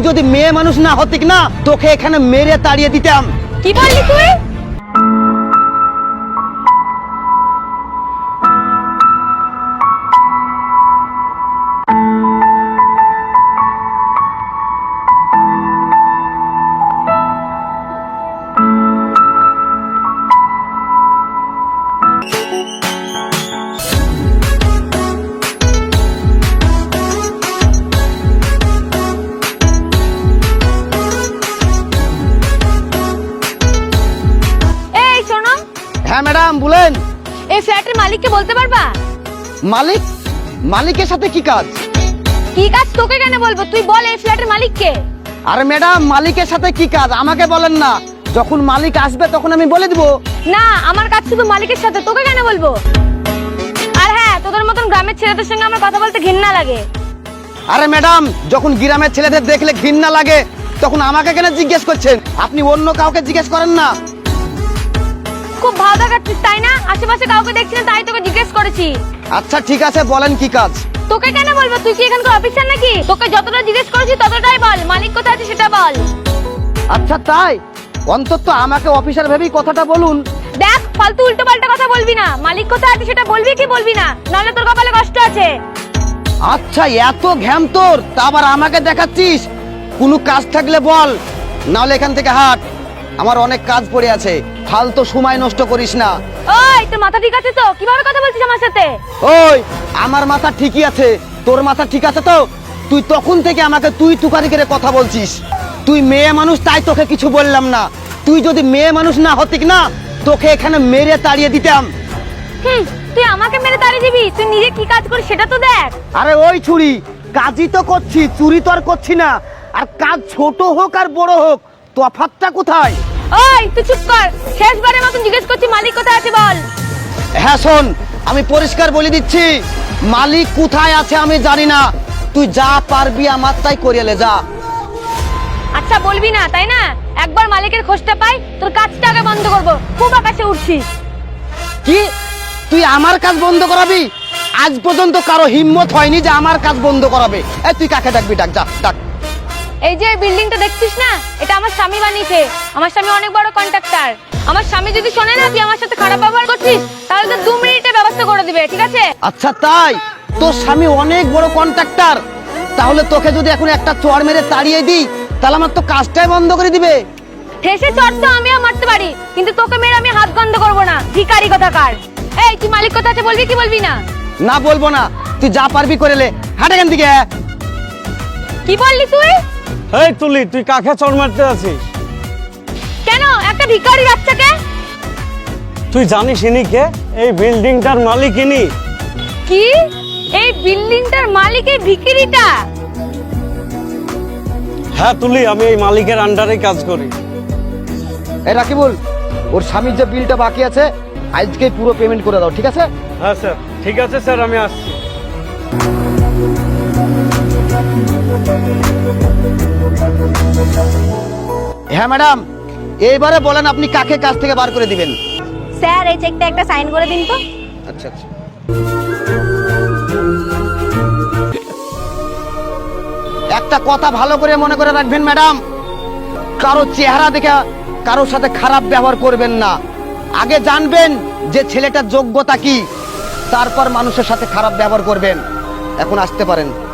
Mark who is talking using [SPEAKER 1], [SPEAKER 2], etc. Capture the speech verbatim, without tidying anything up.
[SPEAKER 1] যদি মেয়ে মানুষ না হতিক না, তোকে এখানে মেরে তাড়িয়ে দিতাম।
[SPEAKER 2] কি বললি তুই?
[SPEAKER 1] হ্যাঁ ম্যাডাম বলেন।
[SPEAKER 2] এই ফ্ল্যাটের মালিককে বলতে পারবা?
[SPEAKER 1] মালিক? মালিকের সাথে কি কাজ?
[SPEAKER 2] কি কাজ তোকে কেন বলবো, তুই বল এই ফ্ল্যাটের মালিককে।
[SPEAKER 1] আরে ম্যাডাম মালিকের সাথে কি কাজ আমাকে বলেন না, যখন মালিক আসবে তখন আমি বলে দিব।
[SPEAKER 2] না, আমার কাজ শুধু মালিকের সাথে, তোকে কেন বলবো? আর হ্যাঁ, তোদের মতন গ্রামের ছেলেদের সঙ্গে আমার কথা বলতে ঘৃণা লাগে।
[SPEAKER 1] আরে ম্যাডাম, যখন গ্রামের ছেলেদের দেখলে ঘৃণা লাগে তখন আমাকে কেন জিজ্ঞেস করছেন? আপনি অন্য কাউকে জিজ্ঞেস করেন না।
[SPEAKER 2] খুব ভালো দেখাচ্ছিস তাই না? আশেপাশে কাউকে দেখছি না তাই তোকে জিজ্ঞেস করেছি।
[SPEAKER 1] আচ্ছা ঠিক আছে, বলেন কি কাজ?
[SPEAKER 2] তোকে কেন বলবো, তুই কি এখানকার অফিসার নাকি? তোকে যতটা জিজ্ঞেস করেছি ততটাই বল, মালিক কোথায় আছে সেটা বল।
[SPEAKER 1] আচ্ছা তাই? অন্তত আমাকে অফিসার ভেবেই কথাটা বলুন।
[SPEAKER 2] দেখ, ফালতু উল্টো পাল্টা কথা বলবি না, মালিক কোথায় আছে সেটা বলবি কি বলবি না, নাহলে তোর কপালে কষ্ট আছে।
[SPEAKER 1] আচ্ছা এত ঘ্যাম তোর, তা আবার আমাকে দেখাচ্ছিস? কোনো কাজ থাকলে বল, নাহলে এখান থেকে হাট, আমার অনেক কাজ পড়ে আছে। ফালতু সময় নষ্ট করিস না।
[SPEAKER 2] ওই, তোর মাথা ঠিক আছে তো? কিভাবে কথা বলছিস আমার সাথে?
[SPEAKER 1] ওই, আমার মাথা ঠিকই আছে, তোর মাথা ঠিক আছে তো? তুই তখন থেকে আমাকে তুই তুকারি করে কথা বলছিস। তুই মেয়ে মানুষ তাই তোকে কিছু বললাম না। তুই যদি মেয়ে মানুষ না হতিক না, তোকে এখানে মেরে তাড়িয়ে দিতাম।
[SPEAKER 2] হুম, তুই আমাকে মেরে তাড়িয়ে দিবি? তুই নিজে কি কাজ করিস সেটা তো দেখ।
[SPEAKER 1] আরে ওই ছুরি, কাজই তো করছি, চুরি তো আর করছি না। আর কাজ ছোট হোক আর বড় হোক, তফাৎটা কোথায়?
[SPEAKER 2] ওই তুই চুপ কর, শেষবারের মতন জিজ্ঞেস করছি মালিক কোথায় আছে বল।
[SPEAKER 1] হ্যাঁ শোন, আমি পরিষ্কার বলে দিচ্ছি, মালিক কোথায় আছে আমি জানি না। তুই যা পারবি আমার তাই করিয়ে যা।
[SPEAKER 2] আচ্ছা বলবি না তাই না? একবার মালিকের খোঁজটা পাই, তোর কাজটা আগে বন্ধ করবো। খুব আকাশে উঠছিস।
[SPEAKER 1] কি তুই আমার কাজ বন্ধ করাবি? আজ পর্যন্ত কারো হিম্মত হয়নি যে আমার কাজ বন্ধ করাবে। এই তুই কাকে ডাকবি, ডাক, যা ডাক।
[SPEAKER 2] এই যে বিল্ডিংটা দেখছিস না, এটা আমার স্বামী বানিয়েছে। আমার স্বামী অনেক বড় কন্ট্রাক্টর। আমার স্বামী যদি শোনে না তুই আমার সাথে খারাপ ব্যবহার করছিস, তাহলে তো দু মিনিটে ব্যবস্থা করে দিবে, ঠিক আছে?
[SPEAKER 1] আচ্ছা তাই? তোর স্বামী অনেক বড় কন্ট্রাক্টর, তাহলে তোকে যদি এখন একটা চড় মেরে তাড়িয়ে দিই, তাহলে আমার তো কাজটাই বন্ধ করে দিবে।
[SPEAKER 2] ঠেসে চড় তো আমিও মারতে পারি, কিন্তু তোকে মেরে আমি হাত বন্ধ করবো না, ভিখারি কোথাকার। এই তুই মালিক কোথায় আছে বলবি কি বলবি না?
[SPEAKER 1] না বলবো না, তুই যা পারবি করে লে, হাট এখান থেকে।
[SPEAKER 2] কি বললি তুই?
[SPEAKER 3] এই তুলি, তুই কাকে চড় মারতে আছিস?
[SPEAKER 2] কেন, একটা ভিখারি বাচ্চাকে?
[SPEAKER 3] তুই জানিস ইনি কে? এই বিল্ডিংটার মালিক ইনি।
[SPEAKER 2] কি? এই বিল্ডিংটার মালিক এই ভিখারিটা?
[SPEAKER 3] হ্যাঁ তুলি, আমি এই মালিকের আন্ডারে কাজ করি।
[SPEAKER 1] এই রাকিবুল, ওর স্বামীর যে বিলটা বাকি আছে আজকে পুরো পেমেন্ট করে দাও, ঠিক আছে?
[SPEAKER 3] হ্যাঁ স্যার, ঠিক আছে স্যার, আমি আসছি।
[SPEAKER 1] হ্যাঁ ম্যাডাম, এইবারে বলেন আপনি কাকে কাজ থেকে বার করে দিবেন?
[SPEAKER 2] স্যার এই চেকটা একটা সাইন করে দিন তো।
[SPEAKER 1] আচ্ছা আচ্ছা। একটা কথা ভালো করে মনে করে রাখবেন ম্যাডাম, কারো চেহারা দেখে কারোর সাথে খারাপ ব্যবহার করবেন না। আগে জানবেন যে ছেলেটার যোগ্যতা কি, তারপর মানুষের সাথে খারাপ ব্যবহার করবেন। এখন আসতে পারেন।